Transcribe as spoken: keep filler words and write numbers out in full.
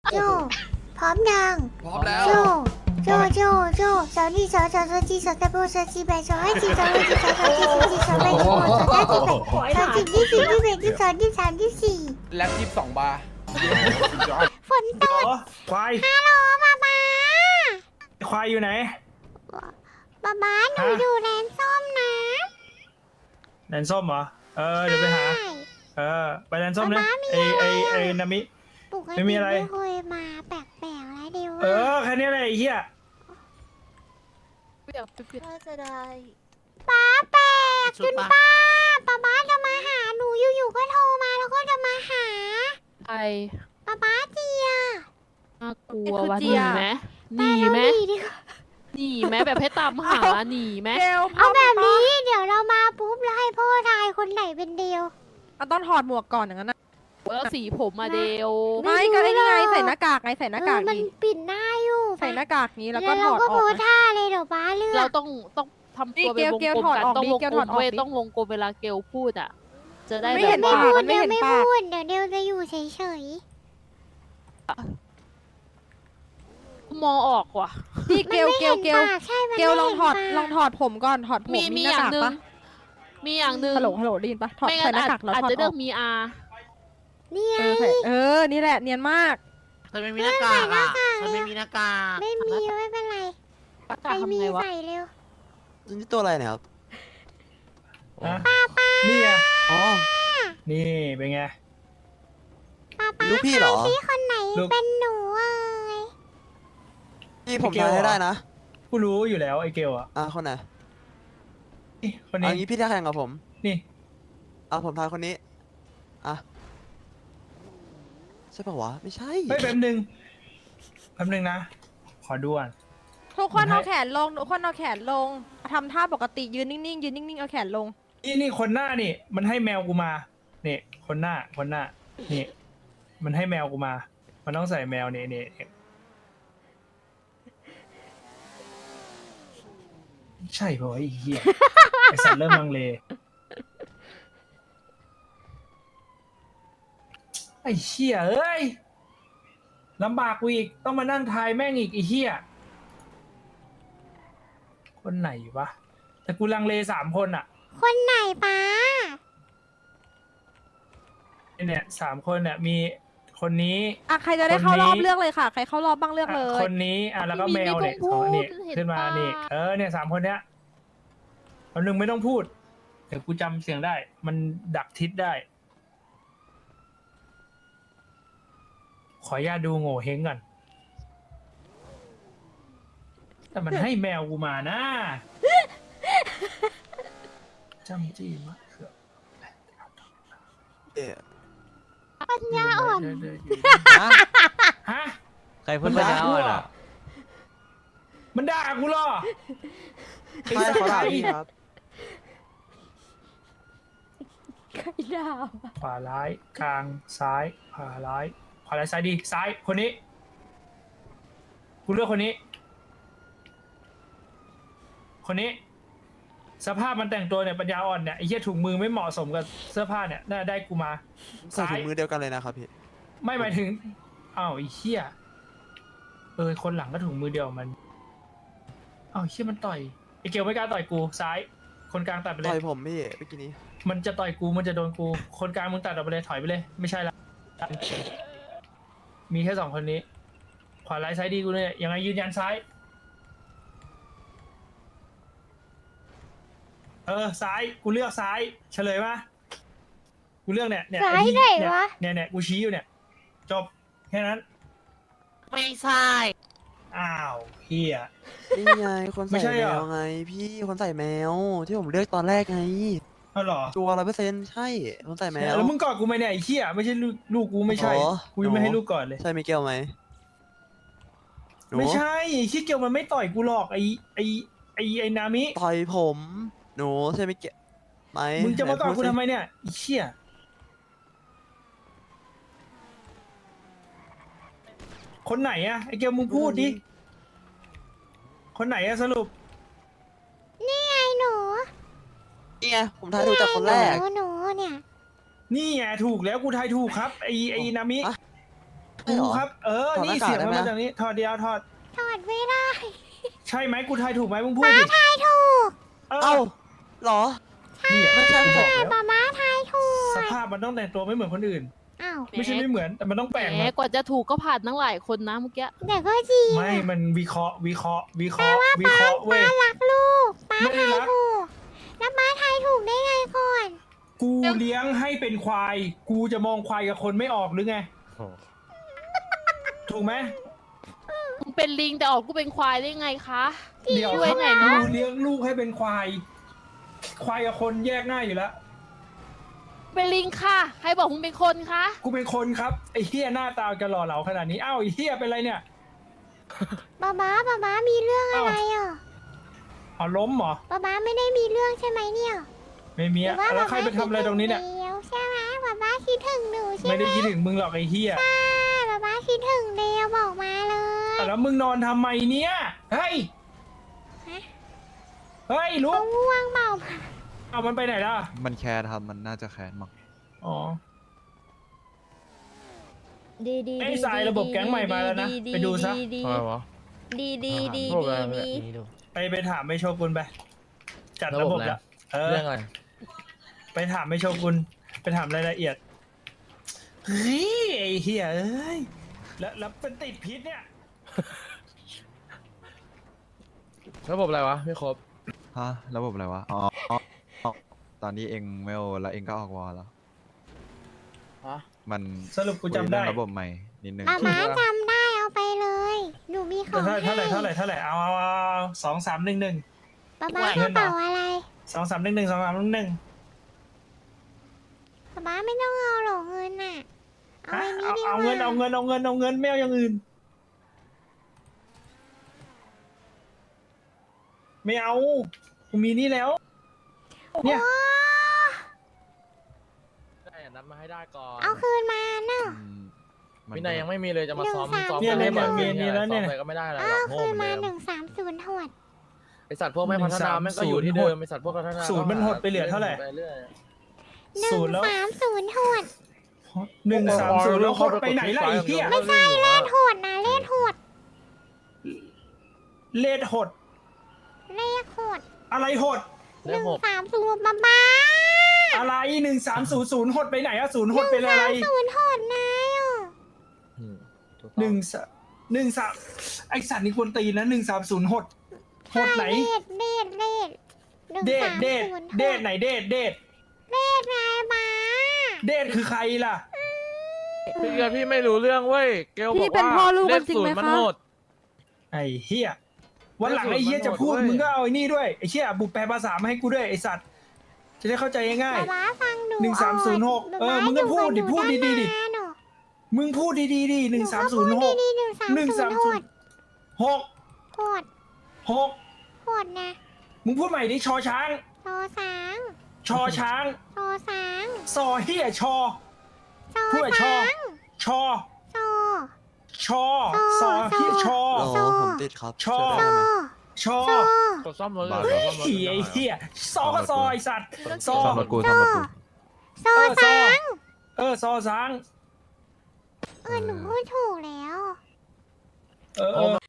โจพร้อมยังพร้อมแล้วโจโจโจโจสาวนี่สาวสาวสาวจีสาวตะโบสาวจีแบสาวให้จีสาวให้จีสาวสาวจีสาวจีสาวแบสาวสาวจีแบสาวจีที่สี่ที่แบที่สองที่สามที่สี่แล็บยี่สิบสองบาร์ฝนตกควายฮัลโหลป๊าป๊าควายอยู่ไหนป๊าป๊าหนูอยู่แลนส้มนะแลนส้มเหรอ เออเดี๋ยวไปหา เออไปแลนส้มนะไอไอไอนามิปกไม่ติมีอะไรไม่เคยมาแปลกๆแล้วเดียวเออแค่นี้แหละไอ้เหี้ยน่าจะได้ป๊าแปลกจนป้าป๊าป๊าจะมาหาหนูอยู่ๆก็โทรมาแล้วก็จะมาหาไอป๊าป๊าเจียน่ากลัววะหนีไหมหนีไหมไปแล้วดีกว่าหนีไหมแบบให้ตามหาหนีไหมเดวเอาแบบนี้เดี๋ยวเรามาปุ๊บแล้วให้พ่อทายคนไหนเป็นเดียวเอาต้องถอดหมวกก่อนอย่างนั้นนะแล้วสีผมมาเดวไม่ไม่ก็ไอ้นี่ไงรู้หรอกใส่หน้ากากไงใส่หน้ากากเออมันนี้ปิดหน้าอยู่ใส่หน้ากากนี้แล้วก็แล้วถเราอดก็อโพอกสท่าเลยเดี๋ยวป้าเลือเรากต้องต้องทำตัวนี่เป็นวงเกลกลมถอดกันออกต้องดิวงเกลกลถอดมออกเว้ยดิต้องวงกลมเวลาเกลพูดอ่ะ จะได้ไม่แบเห็บนไม่ว่าพูดมันไม่เดี๋ยวเห็นไม่ปากพูดเดี๋ยวเดี๋ยวจะอยู่เฉยมองออกว่ะพี่ๆเกลเกลเกลมันไม่ห็นปากใช่มันเกลลองถอดไม่เห็นปากลองถอดผมก่อนถอดผมมีมีมีหอน้าย่างกากหนึ่งปะมีอย่างหนึ่งฮัลโหลฮัลโหลได้ยินปะถอดไม่ใส่งั้นหน้าอาจกากแล้วอาจถอดจะอเลืออก กมีอานี่ไงเออใส่เออนี่แหละเนียนมากเธอไม่มีหน้ากากอ่ะเธอไม่มีหน้ากากไม่มีไม่เป็นไรประใคการ ศทำมีไงวะใส่เร็วนี่ตัวอะไรเนี่ยครับฮะนี่ไงอ๋อนี่เป็นไงป้าป้าลูกพี่เหรอพี่คนไหนลูกเป็นหนูเอ้ยพี่ผมพี่เกลทายให้เหรอได้นะกูรู้อยู่แล้วไอ้เกลอ่ะอ่ะคนไหนนี่คนเอานี้งี้พี่จะแข่งกับผมนี่เอาผมทายคนนี้ อ่ะ ใช่ปะวะ ไม่ใช่เฮ้ยแป๊บนึงแป๊บนึงนะ ขอดูก่อนทุกคนให้เอาแขนลงทุกคนเอาแขนลงทำท่าปกติยืนนิ่งๆยืนนิ่งๆเอาแขนลงนี่นี่คนหน้านี่ มันให้แมวกูมานี่คนหน้าคนหน้านี่ มันให้แมวกูมา มันต้องใส่แมวนี่นี่นี่ใช่ปะวะไอ้เหี้ย ไอสัตว์เริ่มลังเลไอ้เหี้ยเอ้ยลำบากกูอีกต้องมานั่งทายแม่งอีกไอ้เหี้ยคนไหนวะแต่กูลังเลสามคนอะคนไหนป้าเนี่ยสามคนเนี่ยมีคนนี้อ่ะใครจะได้เข้าคนนี้รอบเลือกเลยค่ะ ใครเข้ารอบบ้างเลือกเลอ่ะยคนนี้อ่ะแล้วก็ไม่แมมีวเนี่ยไม่ต้องสองอันพูนี้ดเห็นขึ้นมาปะนี่เออเนี่ยสามคนเนี้ยคนหนึ่งไม่ต้องพูดเดี๋ยวกูจำเสียงได้ มันดักทิศได้ ขออนุญาตดูโง่เฮงก่อนแต่มันให้แมวกูมานะจำจี้มะเขือเอ๊ะปัญญาอ่อนเดินๆอยู่ฮะฮะใครพูดปัญญาอ่อนอ่ะมันด่ากูเหรอไอ้ไม่สัตขอว์ถามไอ้พี่ครับใครดาวขวาร้ายกลางซ้ายขวาร้ายขวาร้ายซ้ายดีซ้ายคนนี้กูเลือกคนนี้ คนนี้ สภาพมันแต่งตัวเนี่ยปัญญาอ่อนเนี่ยไอ้เหี้ยถุงมือไม่เหมาะสมกับเสื้อผ้าเนี่ยน่าได้กูมาใส่ถุงมือเดียวกันเลยนะครับพี่ไม่หมายถึงอ้าวไอ้เหี้ยเออคนหลังก็ถุงมือเดียวมันอ้าวเหี้ยมันต่อยไอ้เกลไม่กล้าต่อยกูซ้าย คนกลางตัดไปเลต่อย ยผมพี่เมื่อกี้นี้มันจะต่อยกูมันจะโดนกู คนกลางมึงตัดออกไปเลยถอยไปเลย ไม่ใช่ละมีแค่สองคนนี้ ขวาร้ายซ้ายดีกูเนี่ยยังไงยืนยันซ้าย เออซ้ายกูเลือกซ้ายเฉลยมากูเลือกเนี่ยเนี่ยซ้ายอ้ที่ไหนเนี่ยวะเนี่ยเนี่ยกูชี้อยู่เนี่ย จบแค่นั้นไม่ใช่อ้าวเฮียนี่ไง คนไม่ใส่ใช่แมเหรอวไง พี่คนใส่แมว ที่ผมเลือกตอนแรกไงเอาเหรอตัวร้อยเปอร์เซ็นต์ใช่ คนใส่แมวแล้วมึงกอดกูไหมเนี่ยไอ้เฮียไม่ใช่ลูกลูกกูไม่ใช่อ๋อกูยังไม่หนูให้ลูกกอดเลยใช่มิเกลไหมหนูไม่ใช่ไอ้ขี้เกียวมันไม่ต่อยกูหรอกไอ้ไอ้ไอ้ไอ้นามิต่อยผม หนูใช่มิเกลไหมมึงจะมากอดกูหนพูสิทำไมเนี่ยไอ้เชี่ยคนไหนอะไอ้เกลมึงพูดดิ คนไหนอะสรุปนี่ไงหนูนี่ไง ผมทายถูกจากคนแรกหนูหนูเนี่ยนี่ไงถูกแล้วกูทายถูกครับไอ้ไอ้นามิอะใช่เหรกูอครับ เออถอดหนี่น้ากากเสียงได้มันไหมมาจากนี้ ถอดเดียวถอดถอดไม่ได้ใช่ไหมกูทายถูกไหมมึงพูดดิทายถูกเออเอ้าเหรอนี่ไม่ใช่กูไม่บใช่อกแล้วป๊าม้าทายถูกสภาพมันต้องแต่งตัวไม่เหมือนคนอื่นอ้าวไม่ใช่ไม่เหมือน แต่มันต้องแปลงแหมมากว่าจะถูกก็ผ่านตั้งหลายคนนะเมื่อกี้แต่ก็จริงไม่ มันวิเคราะห์ วิเคราะห์ วิเคราะห์ วิเคราะห์เว้ยป้ารักลูกป้าไม่ได้ทายรักถูก แล้วป้าทายถูกได้ไงก่อนกูเลี้ยงให้เป็นควาย กูจะมองควายกับคนไม่ออกหรือไง ถูกไหมมึงเป็นลิงแต่ออกกูเป็นควายได้ไงคะเดี๋ยวช่วยหน่อยเนอะกูเลี้ยงลูกให้เป็นควาย ควายกับคนแยกง่ายอยู่แล้วเป็นลิงค่ะใครบอกมึงเป็นคนคะกูเป็นคนครับ ไอ้เฮียหน้าตาจะหล่อเหลาขนาดนี้ อ้าวไอ้เฮียเป็นไรเนี่ยป๊าม้าป๊าม้ามีเรื่องอะไรอ่ะอ๋อล้มเหรอป๊าม้าไม่ได้มีเรื่องใช่ไหมเนี่ยไม่มีหอะว่าแล้วป๊าใครม้าไปทำอะไรตรงนี้เนี่ยคิดถึวใช่ไหมป๊าม้าคิดถึงหนูใช่ไม่ไหมได้คิดถึงมึงหรอกไอ้เฮียอ่าป๊าม้าคิดถึงเดียวบอกมาเลยอ่ะแล้วมึงนอนทำไมเนี่ย เฮ้ย เฮ้ยลุเขากง่วงเปล่าเอามันไปไหนล่ะมันแคร์ครับ มันน่าจะแคร์มั้งอ๋อดีดีไอ้สายระบบแก๊งใหม่มาแล้วนะไปดูซะดีอะไรวะดีดีดีระบบอะไรดีแบบดีนี้ดูไปไปถามไอ้โชกุนไป จัดระบบระบบอะไรละเออเรื่องอะไรไปถามไอ้โชกุน ไปถามรายละเอียด เฮ้ยไอ้เฮียเอ้ย แล้วแล้วเป็นติดพิษเนี่ยระบบอะไรวะไม่ครบฮะ ระบบอะไรวะ อ๋ออ๋อ ตอนนี้เองไม่โอแล้วเองก็ออกวอลแล้วฮะมันสรุปกูจำได้คุยเรื่องระบบใหม่ นิดนึงป๊าม้าจำได้เอาไปเลย หนูมีของเท่าให้เท่าไหร่เท่าไหร่เท่าไหร่เอาเอาเอาสองสามหนึ่งหนึ่งป๊าม้ากระเป๋าอะไรสองสามหนึ่งหนึ่งสองสามหนึ่งหนึ่งป๊าม้าไม่ต้องเอาหรอกเงินน่ะ เอาฮะไอ้นี้เอาดีกว่าเอาเงินเอาเงินเอาเงินเอาเงินไม่เอาอย่างอื่น ไม่เอากูมีนี่แล้ว เนี่ยโอ้ได้นัดมาให้ได้ก่อนเอาคืนมาเนาะอืมมัวินัยยังไม่มีเลยจะมาซ้อมหนึ่งสามซ้อมเนี่ยกันให้บ่อยเนี่ยเนี่ยเนี่ยซ้อมไปก็ไม่ได้อะไรหรเอาอกโง่คืเหนมือนมาเดิมหนึ่งสามศูนย์หดไอสัตว์พวกไม่พัฒนาแม่งก็อยู่ที่เดิมไอสัตว์พวกพัฒนาศูนย์มันหดไปเหลือเท่าไหร่ปเรื่อยหนึ่ศูงนย์แล้วสามศูนย์หดหนึ่งสามศูนย์แล้วโคตรไปไหนล่ะไอ้เหี้ยไม่ใช่เลขหดนะเลขหดเลดหดเลขหดอะไรหดหเลขนึ่งหกสามศูนย์ป๊าม้าอะไรหนึ่งสามศูนย์ศูนย์หดไปไหนอะศูนย์หดเป็นอะไรศูนย์หดนายอ่ะอืมถูกต้องหนึ่งสามหนึ่งสามไอสัตว์นี่ควรตีนะหนึ่งสามศูนย์หดหดไหนเลขเลขเลขหนึ่งเดทสามเดทศูนย์หเดทไหนเดทเดทเลขนายม้าเดทคือใครล่ะพี่เกลพี่ไม่รู้เรื่องเว้ยเกลบพี่อกเป็นว่าพ่อลูกเลกันขจริงศูนไหมย์มันคะโหดไอ้เฮียวันหลังเลขศูนย์ไอ้เฮียมันจะพูดโหดเว้ยมึงก็เอาไอ้นี่ด้วยไอ้เชี่ยบุกแปลภาษามาให้กูด้วยไอ้สัตว์จะได้เข้าใจง่ายป๊าม้าฟังหนูหนึ่งสามศูนย์หกป๊าเออม้ามึงก็พูดดิอยู่กับหนูพูดดีๆดิตั้งนานเนอะๆมึงพูดดีๆดิหนึ่งสามศูนย์หกหนูก็พูดดีๆหนึ่งสามหนึ่งศูสาน มย์หศูนดย์หกหดหกหดนะมึงพูดใหม่ดิชอช้างโซสางชอช้างโซสางซอเฮียชอโซพูดแบบชอสางชอโซชอซอเฮียชอโอ้ผมติดครับชอช่วยโซได้ไหมชอโซกดซ่อมรถบ้าเลยเฮ้กดซ่อมรถยไอ้เฮียซอก็ซอไอ้สัตว์ซอซ่อมรถกูซ่อมรถกูโซเออซอสางเออซอสางเออหนูพูดถูกแล้วเออเออ